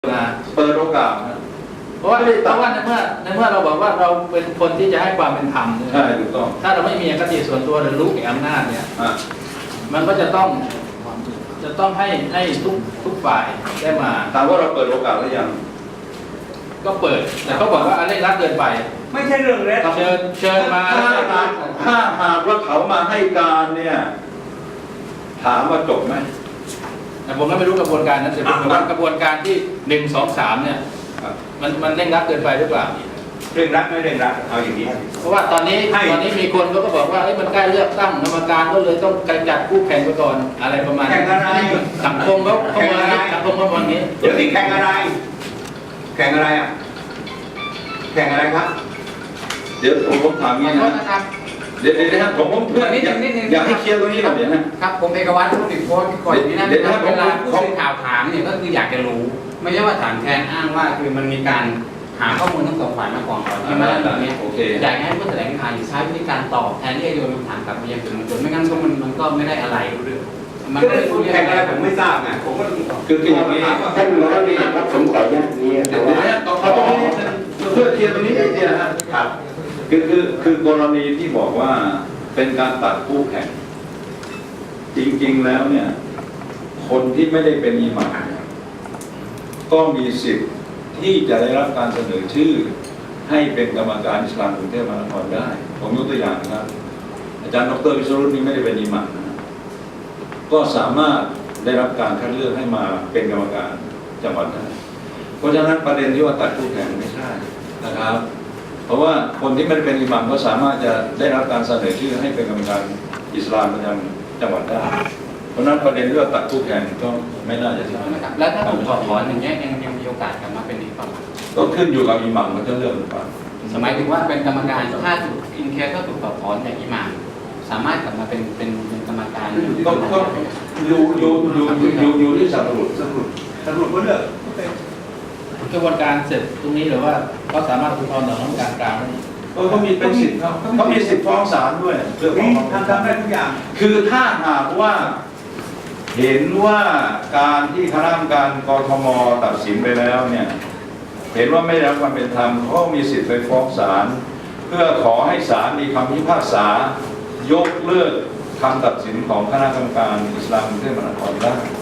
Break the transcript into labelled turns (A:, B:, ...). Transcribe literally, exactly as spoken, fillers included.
A: มา
B: เปิดโอกาสนะ
A: เพราะว่าเพราะว่าในเมื่อในเมื่อเราบอกว่าเราเป็นคนที่จะให้ความเป็นธรรม
B: ใช่ถูกต้อง
A: ถ้าเราไม่มีอคติส่วนตัวหรือรู้แก่อำนาจเนี่ยมันก็จะต้องจะต้องให้ให้ทุกทุกฝ่ายได้มา
B: ถามว่าเราเปิดโอกาสหรือยัง
A: ก็เปิดแต่เขาบอกว่าอะไรรักเกินไป
C: ไม่ใช่เรื่องเล็ก
A: เชิญเชิญมา
B: ถ้าถ้าหากว่าเขามาให้การเนี่ยถามว่าจบไหม
A: แต่ผมก็ไม่รู้กระบวนการนั้นแต่ผมว่ากระบวนการที่หนึ่งสองสามเนี่ยมันมันเร่งรัดเกินไปหรือเปล่า
C: เร่งรัดไม่เร่งรัดเอาอย่างนี้
A: เพราะว่าตอนนี้ตอนนี้มีคนเขาก็บอกว่าเอ้ยมันใกล้เลือกตั้งกรรมการก็เลยต้องกระจัดคู่แข่งไปก่อนอะไรประมาณนี้สังคมเขาเขามองนี้สังคมเขามองนี้
C: เดี๋ยวนี้แข่งอะไรแข่งอะไรอ่ะแข่งอะไรครับ
B: เดี๋ยวผมผมถามงี้นะเดี๋ยวเดี๋ยวนะครับผมผมเพื่อนอยากอยากให้เคลียร์ตรงนี้ก่อนเดี๋ยวนะครับ
D: ผมเอกวัตรผู้ติดโพสต์ก่อนที่นั่นเวลาผู้สื่อข่าวถามเนี่ยก็คืออยากจะรู้ไม่ใช่ว่าถามแทนอ้างว่าคือมันมีการหาข้อมูลทั้งสองฝ่ายมาก่อนก่อนที่มาแบบนี้อยากให้ผู้แถลงข่าวใช้วิธีการตอบแทนที่จะโยนคำถามกลับมายังสื่อมวลชนไม่งั้นก็มันมันก็ไม่ได้อะไรเรื่อง
C: มันก็พูดแข่งอะไรผมไม่ทราบไงผมก็
B: คือคืออย่างนี้
E: ท่านร้อยเวรครับผมขออนุญาตนี้
B: เดี๋ยวนี้เขาต้องเพื่อเคลียร์ตรงนี้นิดเดียวนะครับคือคือคือกรณีที่บอกว่าเป็นการตัดคู่แข่งจริงๆแล้วเนี่ยคนที่ไม่ได้เป็นอิหม่ามก็มีสิทธิ์ที่จะได้รับการเสนอชื่อให้เป็นกรรมการอิสลามกรุงเทพมหานครได้ผมยกตัวอย่างนะครับอาจารย์ดรวิศรุตนี่ไม่ได้เป็นอิหม่ามนะก็สามารถได้รับการคัดเลือกให้มาเป็นกรรมการจังหวัดได้เพราะฉะนั้นประเด็นที่ว่าตัดคู่แข่งไม่ใช่นะครับเพราะว่าคนที่ไม่ได้เป็นอิหม่ามก็สามารถจะได้รับการเสนอชื่อให้เป็นกรรมการอิสลามประจำจังหวัดได้เพราะนั้นประเด็นเรื่องตัดคู่แข่งก็ไม่น่าจะใช่
D: นะครับแล้วถ้าผมถอดถอนอย่างเงี้ยยังยังมีโอกาสกลับมาเป็นอีกป่ะ
B: ก็ขึ้นอยู่กับอิหม่ามเขาจะเลือกหรือเปล่า
D: หมายถึงว่าเป็นกรรมการถ้าถูกอินแคสถ้าถูกถอดถอนจากอิหม่ามสามารถกลับมาเป็นเป็นกรรมการ
B: ก็ก็อยู่อยู่อยู่อยู่อยู่ที่สำรวจ
C: สำรวจสำรวจก็เลือก
A: กระบวนการเสร็จตรงนี้หรือว่าเขาสามารถอุทธรณ์ต่อคณะกรรมการกลางได้
B: เขามีเป็นสิทธิ์เขาเขามีสิทธิ์ฟ้องศาลด้วย
C: เรื่องของทำทำได้ทุกอย่าง
B: คือถ้าหากว่าเห็นว่าการที่คณะกรรมการกทมตัดสินไปแล้วเนี่ยเห็นว่าไม่ได้รับความเป็นธรรมเขามีสิทธิ์ไปฟ้องศาลเพื่อขอให้ศาลมีคำพิพากษายกเลิกคำตัดสินของคณะกรรมการอิสลามกรุงเทพมหานครได้